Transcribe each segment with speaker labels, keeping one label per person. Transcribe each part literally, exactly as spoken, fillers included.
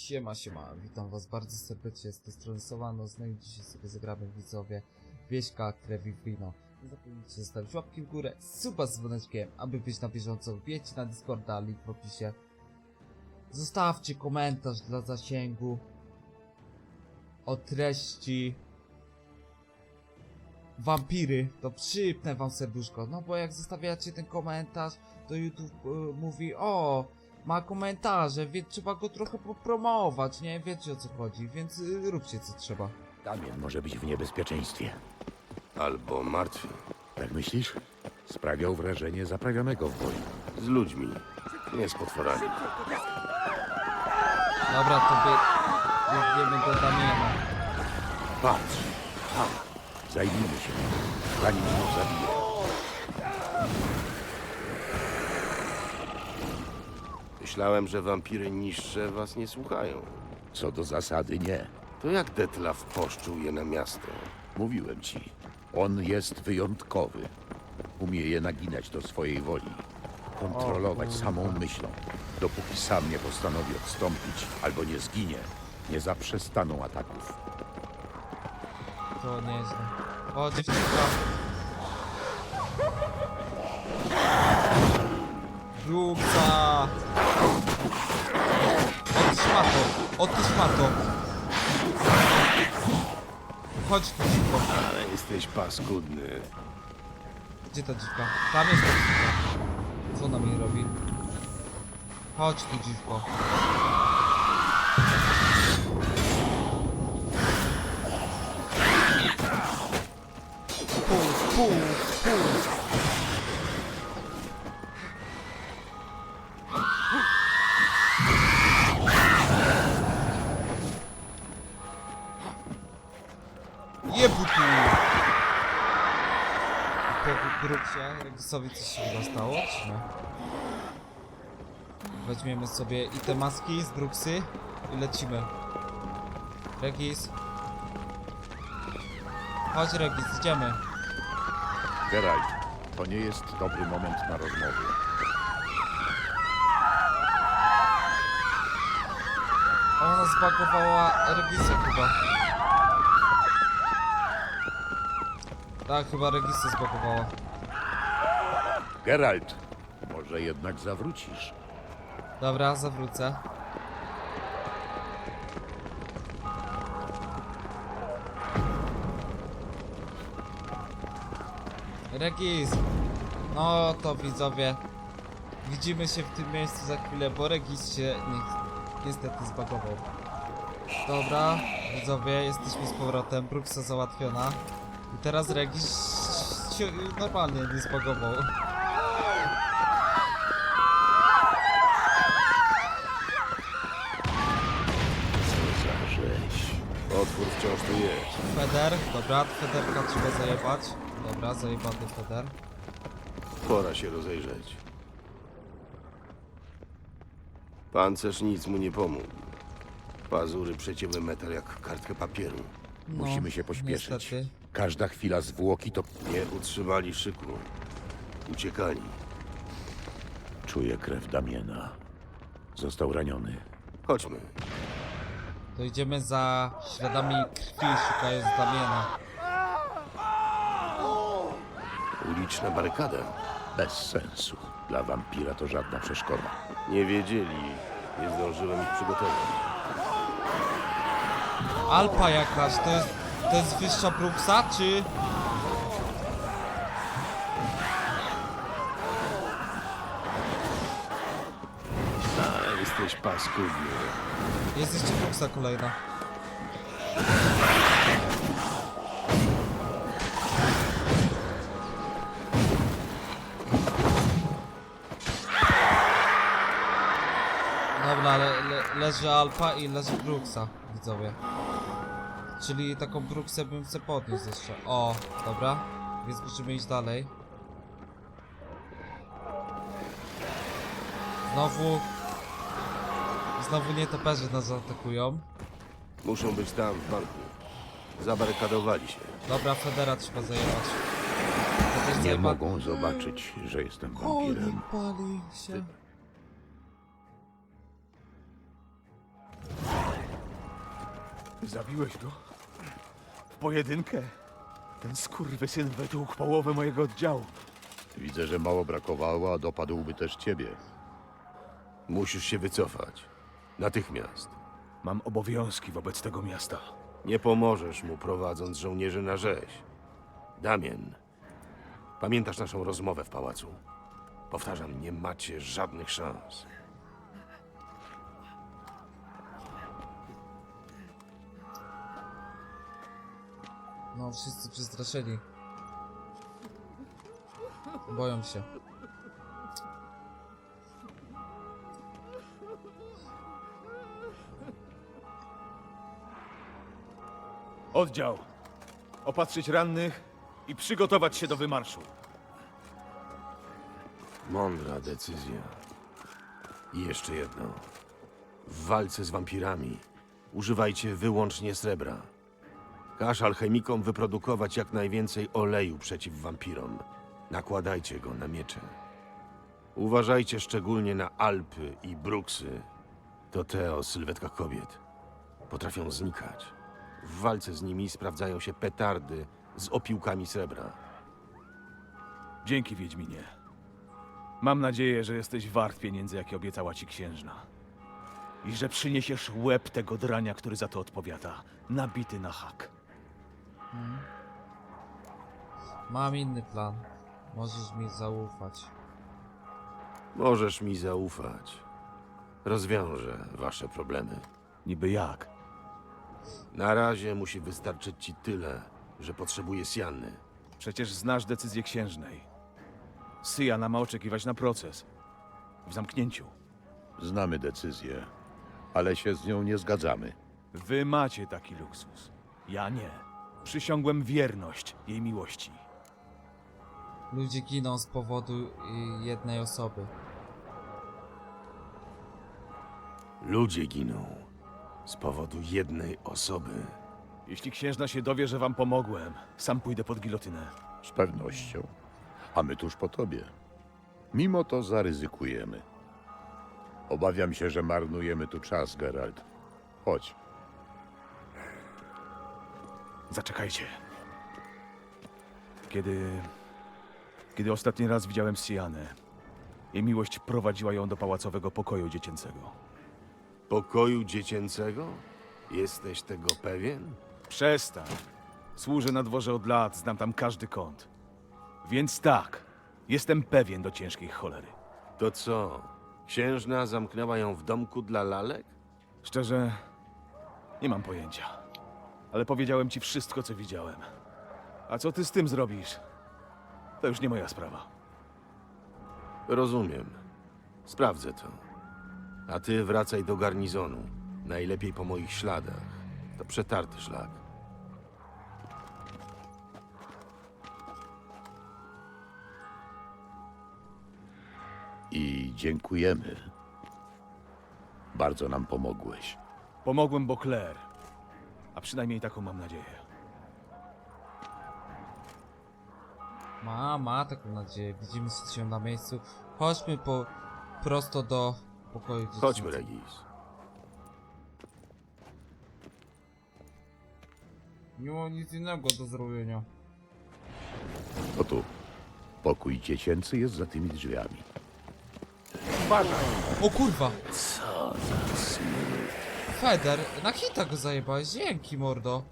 Speaker 1: Siema, siema, witam was bardzo serdecznie, z tej strony Somanos, no i dzisiaj sobie zagramy, widzowie, Wieśka, krew i wino. Nie zapomnijcie zostawić łapki w górę, suba z dzwoneczkiem, aby być na bieżąco, wbijcie na Discorda, link w opisie. Zostawcie komentarz dla zasięgu o treści wampiry, to przypnę wam serduszko, no bo jak zostawiacie ten komentarz, to YouTube y, mówi, o, ma komentarze, więc trzeba go trochę popromować, nie? Wiecie o co chodzi, więc y, róbcie co trzeba.
Speaker 2: Damien może być w niebezpieczeństwie.
Speaker 3: Albo martwy.
Speaker 2: Tak myślisz? Sprawiał wrażenie zaprawionego w boju.
Speaker 3: Z ludźmi. Nie z potworami.
Speaker 1: Dobra, to by... biegniemy do Damiena.
Speaker 2: Patrz! Tam! Zajmijmy się nim, zanim znów zabije.
Speaker 3: Myślałem, że wampiry niższe was nie słuchają.
Speaker 2: Co do zasady nie.
Speaker 3: To jak Detlaf poszczuł je na miasto?
Speaker 2: Mówiłem ci. On jest wyjątkowy. Umie je naginać do swojej woli. Kontrolować samą myślą. Dopóki sam nie postanowi odstąpić albo nie zginie, nie zaprzestaną ataków.
Speaker 1: To nieźle. O, dziewczynka. Bruksa! O ty szmato! O ty szmato! Chodź tu, dziwko.
Speaker 3: Ale jesteś paskudny.
Speaker 1: Gdzie ta dziwka? Tam jest ta dziwka. Co ona mi robi? Chodź tu, dziwko. Pół, pół, pół. Jebu tu! Po grupcie Regisowi coś się chyba stało, czy nie? Weźmiemy sobie i te maski z Bruksy i lecimy. Regis. Chodź Regis, idziemy.
Speaker 2: Geralt, to nie jest dobry moment na rozmowy.
Speaker 1: Ona zbagowała Regisa chyba. Tak, chyba Regisa zbagowała.
Speaker 2: Geralt, może jednak zawrócisz.
Speaker 1: Dobra, zawrócę. Regis! No to widzowie, widzimy się w tym miejscu za chwilę, bo Regis się ni niestety zbagował. Dobra, widzowie, jesteśmy z powrotem, Bruksa załatwiona. I teraz Regis się normalnie nie zbagował.
Speaker 3: Co za rzeź. Otwór wciąż tu jest.
Speaker 1: Feder, dobra, Federka trzeba zajebać. Dobra, zajebany Feder.
Speaker 3: Pora się rozejrzeć. Pancerz nic mu nie pomógł. Pazury przecięły metal jak kartkę papieru.
Speaker 1: No,
Speaker 2: Musimy się pośpieszyć.
Speaker 1: niestety.
Speaker 2: Każda chwila zwłoki to...
Speaker 3: Nie utrzymali szyku. Uciekali.
Speaker 2: Czuję krew Damiena. Został raniony.
Speaker 3: Chodźmy.
Speaker 1: To idziemy za śladami krwi, szukając Damiena.
Speaker 3: Uliczna barykada.
Speaker 2: Bez sensu. Dla wampira to żadna przeszkoda.
Speaker 3: Nie wiedzieli. Nie zdążyłem ich przygotować.
Speaker 1: Alpa jakaś, to jest, to jest wyższa Bruksa, czy...
Speaker 3: Ale jesteś paskudny.
Speaker 1: Jest jeszcze Bruksa kolejna. Dobra, le, le, leży Alpa i leży Bruksa, widzowie. Czyli taką Bruksę bym chce podnieść jeszcze. O, dobra. Więc musimy iść dalej. Znowu... Znowu nietoperze nas zaatakują.
Speaker 3: Muszą być tam, w banku. Zabarykadowali się.
Speaker 1: Dobra, Federa trzeba zajebać. To też
Speaker 2: Nie
Speaker 1: zajeba...
Speaker 2: mogą zobaczyć, że jestem wampirem.
Speaker 1: Pali, pali się.
Speaker 4: Zabiłeś go? W pojedynkę? Ten skurwysyn wytłukł połowę mojego oddziału.
Speaker 2: Widzę, że mało brakowało, a dopadłby też ciebie.
Speaker 3: Musisz się wycofać. Natychmiast.
Speaker 4: Mam obowiązki wobec tego miasta.
Speaker 3: Nie pomożesz mu prowadząc żołnierzy na rzeź. Damien, pamiętasz naszą rozmowę w pałacu? Powtarzam, nie macie żadnych szans.
Speaker 1: No, wszyscy przestraszeni. Boją się.
Speaker 4: Oddział. Opatrzyć rannych i przygotować się do wymarszu.
Speaker 3: Mądra decyzja. I jeszcze jedno. W walce z wampirami używajcie wyłącznie srebra. Każ alchemikom wyprodukować jak najwięcej oleju przeciw wampirom. Nakładajcie go na miecze. Uważajcie szczególnie na Alpy i Bruksy. To te o sylwetkach kobiet. Potrafią znikać. W walce z nimi sprawdzają się petardy z opiłkami srebra.
Speaker 4: Dzięki, Wiedźminie. Mam nadzieję, że jesteś wart pieniędzy, jakie obiecała ci księżna. I że przyniesiesz łeb tego drania, który za to odpowiada. Nabity na hak.
Speaker 1: Mam inny plan. Możesz mi zaufać.
Speaker 3: Możesz mi zaufać. Rozwiążę wasze problemy.
Speaker 4: Niby jak?
Speaker 3: Na razie musi wystarczyć ci tyle, że potrzebuję Sianny.
Speaker 4: Przecież znasz decyzję księżnej. Syjana ma oczekiwać na proces. W zamknięciu.
Speaker 2: Znamy decyzję, ale się z nią nie zgadzamy.
Speaker 4: Wy macie taki luksus. Ja nie. Przysiągłem wierność jej miłości.
Speaker 1: Ludzie giną z powodu y, jednej osoby.
Speaker 3: Ludzie giną z powodu jednej osoby.
Speaker 4: Jeśli księżna się dowie, że wam pomogłem, sam pójdę pod gilotynę.
Speaker 2: Z pewnością. A my tuż po tobie. Mimo to zaryzykujemy. Obawiam się, że marnujemy tu czas, Geralt. Chodź.
Speaker 4: Zaczekajcie. Kiedy... Kiedy ostatni raz widziałem Sianę, jej miłość prowadziła ją do pałacowego pokoju dziecięcego.
Speaker 3: Pokoju dziecięcego? Jesteś tego pewien?
Speaker 4: Przestań. Służę na dworze od lat, znam tam każdy kąt. Więc tak, jestem pewien do ciężkiej cholery.
Speaker 3: To co? Księżna zamknęła ją w domku dla lalek?
Speaker 4: Szczerze, nie mam pojęcia. Ale powiedziałem ci wszystko, co widziałem. A co ty z tym zrobisz? To już nie moja sprawa.
Speaker 3: Rozumiem. Sprawdzę to. A ty wracaj do garnizonu. Najlepiej po moich śladach. To przetarty szlak.
Speaker 2: I dziękujemy. Bardzo nam pomogłeś.
Speaker 4: Pomogłem Beauclair. A przynajmniej taką mam nadzieję.
Speaker 1: Ma, ma taką nadzieję. Widzimy się na miejscu. Chodźmy po prosto do pokoju dziecięcego.
Speaker 3: Chodźmy, Regis.
Speaker 1: Nie ma nic innego do zrobienia.
Speaker 2: No tu. Pokój dziecięcy jest za tymi drzwiami.
Speaker 1: O kurwa!
Speaker 3: Co za smród.
Speaker 1: Feder, na hita go zajebałeś. Dzięki, mordo.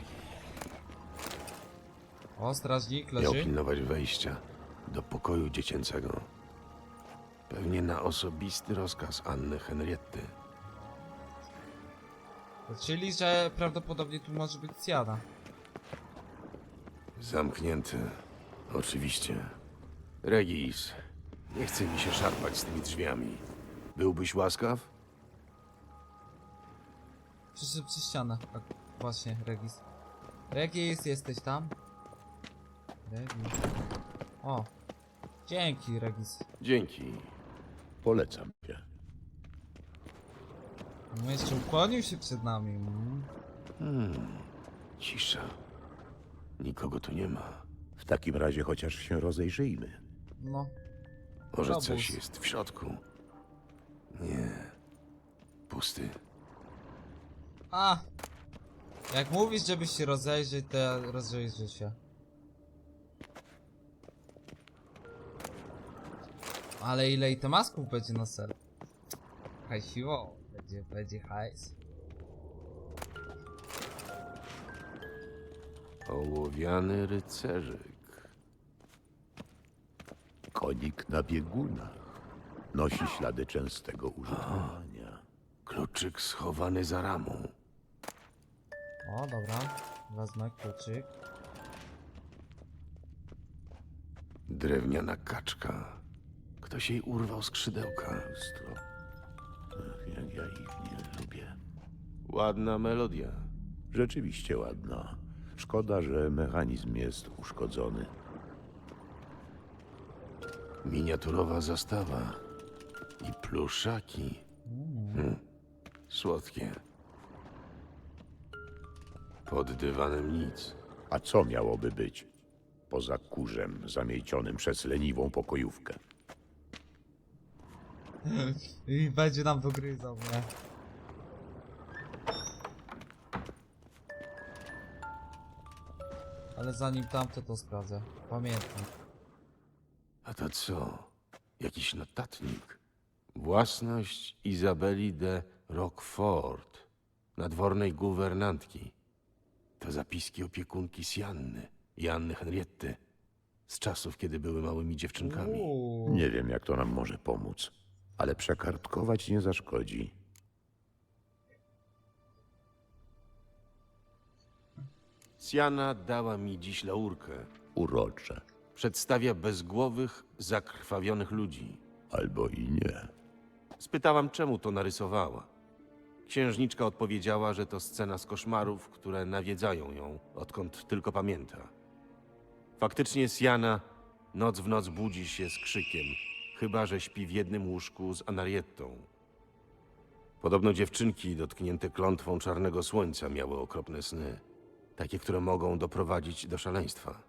Speaker 1: O, strażnik
Speaker 3: Miał
Speaker 1: leży.
Speaker 3: pilnować wejścia do pokoju dziecięcego. Pewnie na osobisty rozkaz Anny Henrietty.
Speaker 1: Czyli, że prawdopodobnie tu może być Siana.
Speaker 3: Zamknięty. Oczywiście. Regis, nie chce mi się szarpać z tymi drzwiami. Byłbyś łaskaw?
Speaker 1: Przyszedł przez ścianę. Tak, właśnie, Regis. Regis, jesteś tam? Regis. O. Dzięki, Regis.
Speaker 3: Dzięki.
Speaker 2: Polecam cię.
Speaker 1: No jeszcze ukłonił się przed nami. Mm.
Speaker 3: Hmm. Cisza. Nikogo tu nie ma.
Speaker 2: W takim razie chociaż się rozejrzyjmy.
Speaker 1: No.
Speaker 3: Może
Speaker 1: Robus.
Speaker 3: coś jest w środku? Nie. Pusty.
Speaker 1: A! Jak mówisz, żebyś się rozejrzeć, to ja rozejrzę się. Ale ile i temasków będzie na ser? Hajsiło, będzie, będzie hajs.
Speaker 3: Ołowiany rycerzyk.
Speaker 2: Konik na biegunach. Nosi ślady częstego użytkowania.
Speaker 3: Kluczyk schowany za ramą.
Speaker 1: O, dobra. Wezmę kluczyk.
Speaker 3: Drewniana kaczka. Ktoś jej urwał skrzydełka.
Speaker 2: Lustro. Ach, jak ja ich nie lubię.
Speaker 3: Ładna melodia.
Speaker 2: Rzeczywiście ładna. Szkoda, że mechanizm jest uszkodzony.
Speaker 3: Miniaturowa zastawa. I pluszaki. Hmm. Słodkie. Pod dywanem nic.
Speaker 2: A co miałoby być? Poza kurzem zamiecionym przez leniwą pokojówkę.
Speaker 1: I będzie nam dogryzał, nie? Ale zanim tamto to sprawdzę. Pamiętam.
Speaker 3: A to co? Jakiś notatnik. Własność Izabeli de Roquefort, nadwornej guwernantki. To zapiski opiekunki Sianny i Anny Henrietty. Z czasów, kiedy były małymi dziewczynkami.
Speaker 1: Uuu.
Speaker 2: Nie wiem, jak to nam może pomóc, ale przekartkować nie zaszkodzi.
Speaker 3: Siana dała mi dziś laurkę.
Speaker 2: Urocze.
Speaker 3: Przedstawia bezgłowych, zakrwawionych ludzi.
Speaker 2: Albo i nie.
Speaker 3: Spytałam, czemu to narysowała. Księżniczka odpowiedziała, że to scena z koszmarów, które nawiedzają ją, odkąd tylko pamięta. Faktycznie Siana noc w noc budzi się z krzykiem, chyba że śpi w jednym łóżku z Anariettą. Podobno dziewczynki dotknięte klątwą czarnego słońca miały okropne sny. Takie, które mogą doprowadzić do szaleństwa.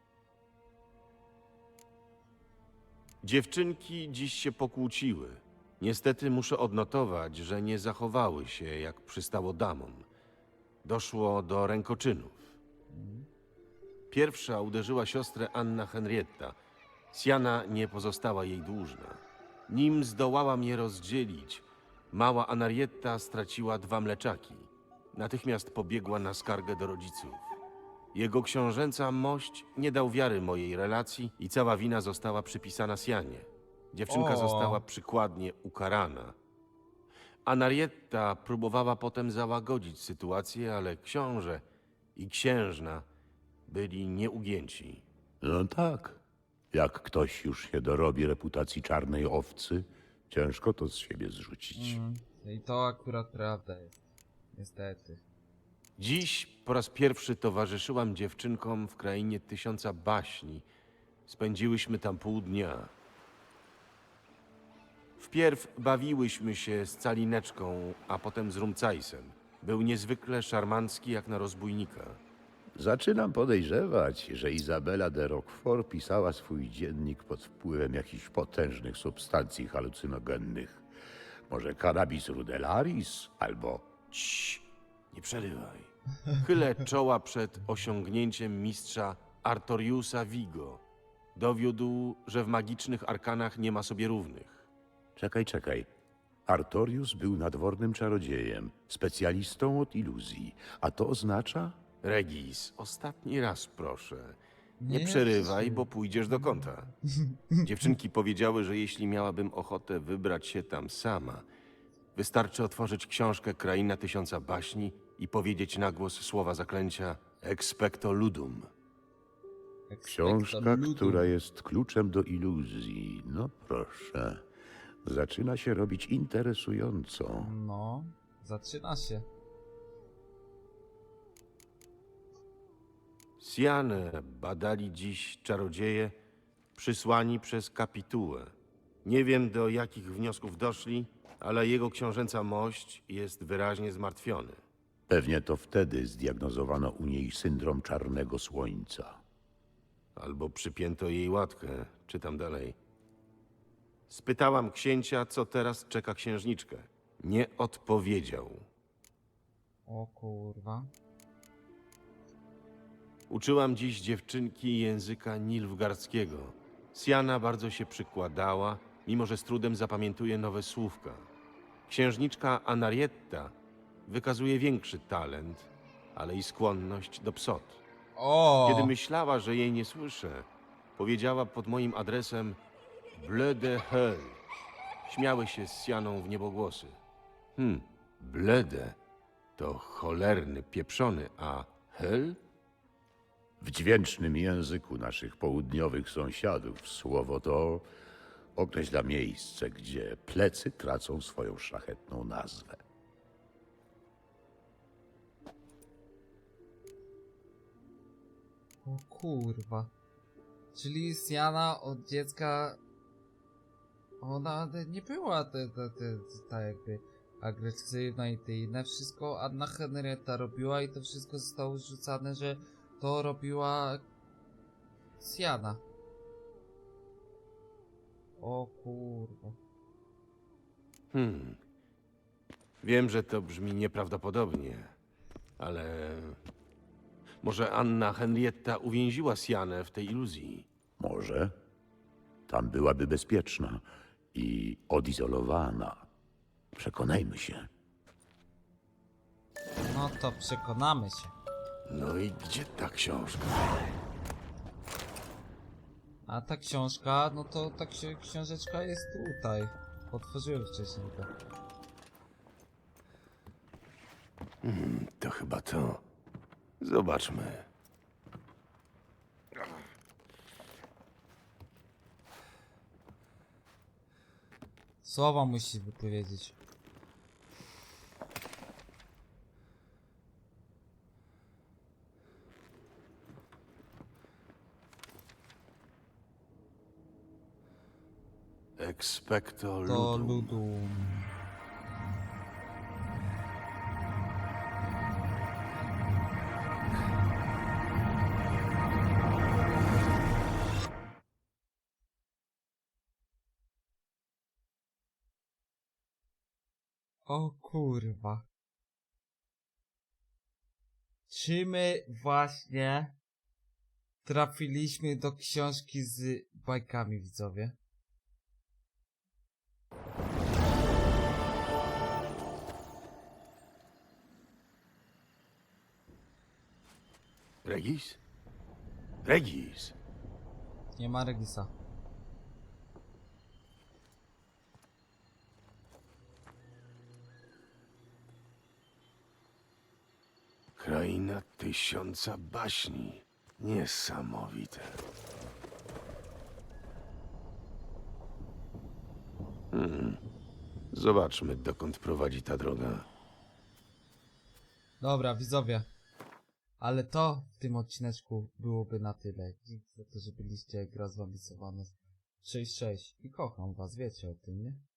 Speaker 3: Dziewczynki dziś się pokłóciły. Niestety muszę odnotować, że nie zachowały się jak przystało damom. Doszło do rękoczynów. Pierwsza uderzyła siostrę Anna Henrietta. Siana nie pozostała jej dłużna. Nim zdołała je rozdzielić, mała Anarietta straciła dwa mleczaki. Natychmiast pobiegła na skargę do rodziców. Jego książęca mość nie dał wiary mojej relacji i cała wina została przypisana Sianie. Dziewczynka
Speaker 1: O.
Speaker 3: została przykładnie ukarana. Anarietta próbowała potem załagodzić sytuację, ale książę i księżna byli nieugięci.
Speaker 2: No tak. Jak ktoś już się dorobi reputacji czarnej owcy, ciężko to z siebie zrzucić.
Speaker 1: Mm. I to akurat prawda jest. Niestety.
Speaker 3: Dziś po raz pierwszy towarzyszyłam dziewczynkom w krainie tysiąca baśni. Spędziłyśmy tam pół dnia. Wpierw bawiłyśmy się z Calineczką, a potem z Rumcajsem. Był niezwykle szarmancki jak na rozbójnika.
Speaker 2: Zaczynam podejrzewać, że Izabela de Roquefort pisała swój dziennik pod wpływem jakichś potężnych substancji halucynogennych. Może cannabis rudelaris albo...
Speaker 3: Cii, nie przerywaj. Chylę czoła przed osiągnięciem mistrza Artoriusa Vigo. Dowiódł, że w magicznych arkanach nie ma sobie równych.
Speaker 2: Czekaj, czekaj. Artorius był nadwornym czarodziejem, specjalistą od iluzji. A to oznacza?
Speaker 3: Regis, ostatni raz proszę. Nie,
Speaker 1: Nie,
Speaker 3: przerywaj,
Speaker 1: Krzysiu.
Speaker 3: bo pójdziesz do kąta. Dziewczynki powiedziały, że jeśli miałabym ochotę wybrać się tam sama, wystarczy otworzyć książkę Kraina Tysiąca Baśni i powiedzieć na głos słowa zaklęcia Expecto Ludum.
Speaker 2: Książka,
Speaker 1: Expecto Ludum.
Speaker 2: która jest kluczem do iluzji. No proszę. Zaczyna się robić interesująco.
Speaker 1: No, zaczyna się.
Speaker 3: Sianę badali dziś czarodzieje przysłani przez kapitułę. Nie wiem, do jakich wniosków doszli, ale jego książęca mość jest wyraźnie zmartwiony.
Speaker 2: Pewnie to wtedy zdiagnozowano u niej syndrom czarnego słońca.
Speaker 3: Albo przypięto jej łatkę. Czytam dalej. Spytałam księcia, co teraz czeka księżniczkę. Nie odpowiedział.
Speaker 1: O kurwa.
Speaker 3: Uczyłam dziś dziewczynki języka nilfgaardzkiego. Siana bardzo się przykładała, mimo że z trudem zapamiętuje nowe słówka. Księżniczka Anarietta wykazuje większy talent, ale i skłonność do psot.
Speaker 1: O!
Speaker 3: Kiedy myślała, że jej nie słyszę, powiedziała pod moim adresem Bleu de Hell. Śmiały się z Sianą w niebogłosy. Hmm, blede to cholerny, pieprzony, a Hell?
Speaker 2: W dźwięcznym języku naszych południowych sąsiadów słowo to określa miejsce, gdzie plecy tracą swoją szlachetną nazwę.
Speaker 1: O kurwa. Czyli Siana od dziecka... Ona nie była ta, ta, ta, ta jakby agresywna i te inne. Wszystko Anna Henrietta robiła i to wszystko zostało rzucane, że to robiła Siana. O kurwa.
Speaker 3: Hmm. Wiem, że to brzmi nieprawdopodobnie, ale może Anna Henrietta uwięziła Sianę w tej iluzji.
Speaker 2: Może tam byłaby bezpieczna i odizolowana. Przekonajmy się.
Speaker 1: No to przekonamy się.
Speaker 3: No i gdzie ta książka?
Speaker 1: A ta książka, no to ta ksi książeczka jest tutaj. Otworzyłem wcześniej to.
Speaker 3: Hmm, to chyba to. Zobaczmy.
Speaker 1: Słowa musi wypowiedzieć.
Speaker 3: Expecto
Speaker 1: To
Speaker 3: ludum.
Speaker 1: ludum. O kurwa. Czy my właśnie trafiliśmy do książki z bajkami, widzowie?
Speaker 3: Regis? Regis!
Speaker 1: Nie ma Regisa.
Speaker 3: Kraina tysiąca baśni. Niesamowite. Hmm. Zobaczmy, dokąd prowadzi ta droga.
Speaker 1: Dobra, widzowie. Ale to w tym odcineczku byłoby na tyle. Dzięki za to, że byliście. Gra z wami Sylwanos sześć sześć i kocham was, wiecie o tym, nie?